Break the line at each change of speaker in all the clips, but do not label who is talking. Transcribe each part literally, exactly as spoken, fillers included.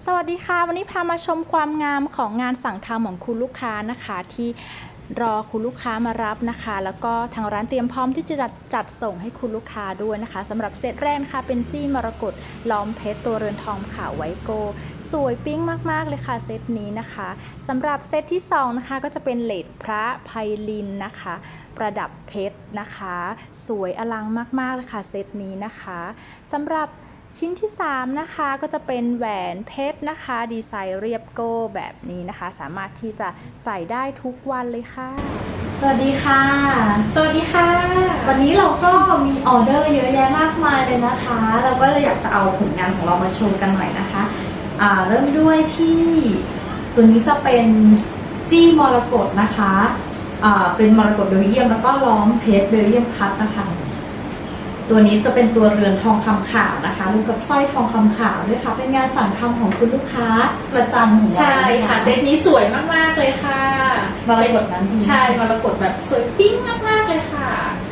สวัสดีค่ะวันนี้พามาชมความงามของงานสั่งทำของคุณลูกค้านะคะที่รอคุณลูกค้ามารับนะคะแล้วก็ทางร้านเตรียมพร้อมที่จะจัดจัดส่งให้คุณลูกค้าด้วยนะคะสำหรับเซตแรกนะคะเป็นจี้มรกตล้อมเพชรตัวเรือนทองขาวไวโกสวยปิ๊งมากๆเลยค่ะเซตนี้นะคะสำหรับเซตที่สองนะคะก็จะเป็นเลดพระไพลินนะคะประดับเพชรนะคะสวยอลังมากๆเลยค่ะเซตนี้นะคะสำหรับชิ้นที่สามนะคะก็จะเป็นแหวนเพชรนะคะดีไซน์เรียบโก้แบบนี้นะคะสามารถที่จะใส่ได้ทุกวันเลยค่ะ
สวัสดีค่ะ
สวัสดีค่ะ
วันนี้เราก็มีออเดอร์เยอะแยะมากมายเลยนะคะเราก็เลยอยากจะเอาผลงานของเรามาโชว์กันหน่อยนะคะอ่าเริ่มด้วยที่ตัวนี้จะเป็นจี้มรกตนะคะอ่าเป็นมรกตเบลเยียมแล้วก็ล้อมเพชรเบลเยียมคัตนะคะตัวนี้จะเป็นตัวเรือนทองคำขาวนะคะรวมกับสร้อยทองคำขาวด้วยค่ะเป็นงานสั่งทำของคุณลูกค้าประจำของเรา
ใช่ค่ะเซตนี้สวยมากๆเลยค่ะ
มรกตนั้น
ใช่มรกตแบบสวยปิ๊งมากๆเลยค่ะ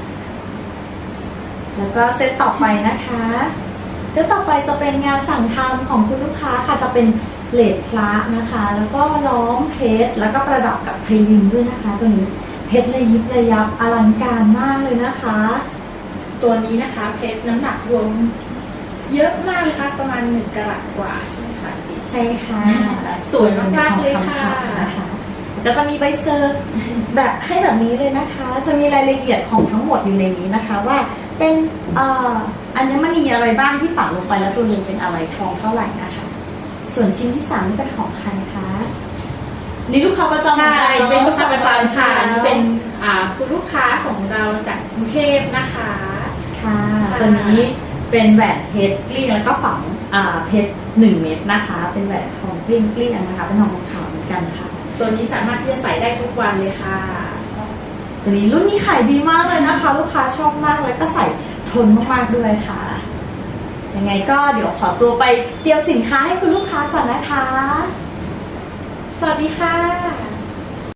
แล้วก็เซตต่อไปนะคะเซตต่อไปจะเป็นงานสั่งทำของคุณลูกค้าค่ะจะเป็นเลดพระนะคะแล้วก็ล้อมเพชรแล้วก็ประดับกับไพลินด้วยนะคะตัวนี้เพชรระยิบระยับอลังการมากเลยนะคะ
ตัวนี้นะคะเพชรน้ำหนักรวมเยอะมากเลยค่ะประมาณหนึ่งกะรัตกว่าใช่ไหมคะจี
ใช่ค่ะ
สวยมากๆเลยค่ะ
นะคะจะจะมีใบเซอร์แบบให้แบบนี้เลยนะคะจะมีรายละเอียดของทั้งหมดอยู่ในนี้นะคะว่าเป็นเอ่ออัญมณีอะไรบ้างที่ฝังลงไปแล้วตัวนึงเป็นอะไรทองเท่าไหร่นะคะส่วนชิ้นที่สามนี่เป็นของใครคะนี่ลูกค้าประจำ
ใช่เป็นลูกค้าประจำค่ะนี่เป็นอ่าคุณลูกค้าของเราจากกรุงเทพนะคะ
ค่ะตัวนี้เป็นแหวนเพชรกลิ้งแล้วก็ฝังอ่าเพชรหนึ่งเม็ดนะคะเป็นแหวนทองกลิ้งกลิ้งนะคะเป็นทองขาวเหมือนกันค่ะ
ตัวนี้สามารถที่จะใส่ได้ทุกวันเลยค่ะ
ตัวนี้รุ่นนี้ขายดีมากเลยนะคะลูกค้าชอบมากเลยก็ใส่ทนมากๆด้วยค่ะยังไงก็เดี๋ยวขอตัวไปเตรียมสินค้าให้คุณลูกค้าก่อนนะคะ
สวัสดีค่ะ